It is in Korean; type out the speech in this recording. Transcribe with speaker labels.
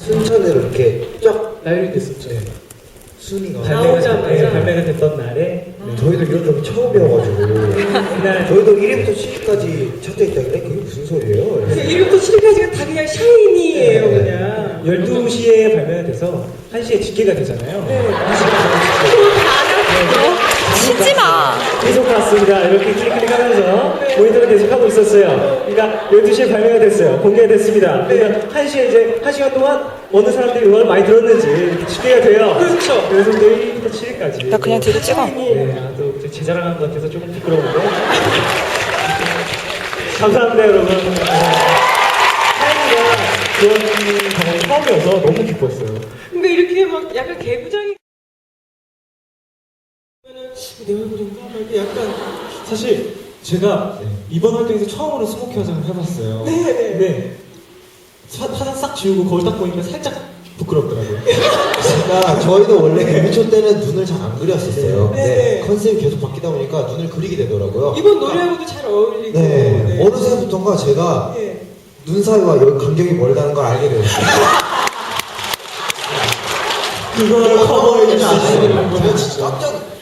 Speaker 1: 순천으로 이렇게 쫙
Speaker 2: 나열이 됐었죠.
Speaker 1: 네. 순위가
Speaker 2: 발매가 됐던 날에
Speaker 1: 저희도 이런 적 처음이어가지고
Speaker 2: 그날
Speaker 1: 저희도 1위부터 7위까지 차트에 있다 그래? 그게 무슨 소리예요?
Speaker 3: 1위부터 7위까지가 다 그냥 샤이니예요,
Speaker 1: 네.
Speaker 3: 그냥.
Speaker 2: 12시에 발매가 돼서 1시에 집계가 되잖아요.
Speaker 3: 네.
Speaker 4: 치지 마.
Speaker 2: 계속 갔습니다. 이렇게 클릭하면서 모니터를 계속하고 있었어요. 그러니까 12시에 발매가 됐어요. 공개가 됐습니다. 그러니까 1시에 이제 1시간 동안 어느 사람들이 음악을 많이 들었는지 이렇게 집계가 돼요.
Speaker 3: 그렇죠.
Speaker 2: 그래서 또 1위부터 7위까지.
Speaker 4: 나 그냥 뒤로 찍어.
Speaker 2: 네, 아, 또 제 자랑한 것 같아서 조금 부끄러운데. 감사합니다, 여러분. 하이가 그런 경험이 처음이어서 너무 기뻤어요.
Speaker 3: 근데 이렇게 막 약간 개구장이 내 얼굴인가? 막 이렇게 약간
Speaker 5: 사실 제가 이번 활동에서 처음으로 스모키 화장을 해봤어요. 근데 화장 싹 지우고 거울 딱 보니까 살짝 부끄럽더라고요.
Speaker 1: 제가 저희도 원래 데뷔초 때는 눈을 잘 안 그렸었어요.
Speaker 3: 네.
Speaker 1: 근데 컨셉이 계속 바뀌다 보니까 눈을 그리게 되더라고요.
Speaker 3: 이번 노래하고도 잘 어울리고.
Speaker 1: 네. 어느새부턴가 제가
Speaker 3: 네.
Speaker 1: 눈 사이와 여기 간격이 멀다는 걸 알게 되었어요.
Speaker 5: 그걸 커버해 주시는
Speaker 1: 제가 진짜 깜짝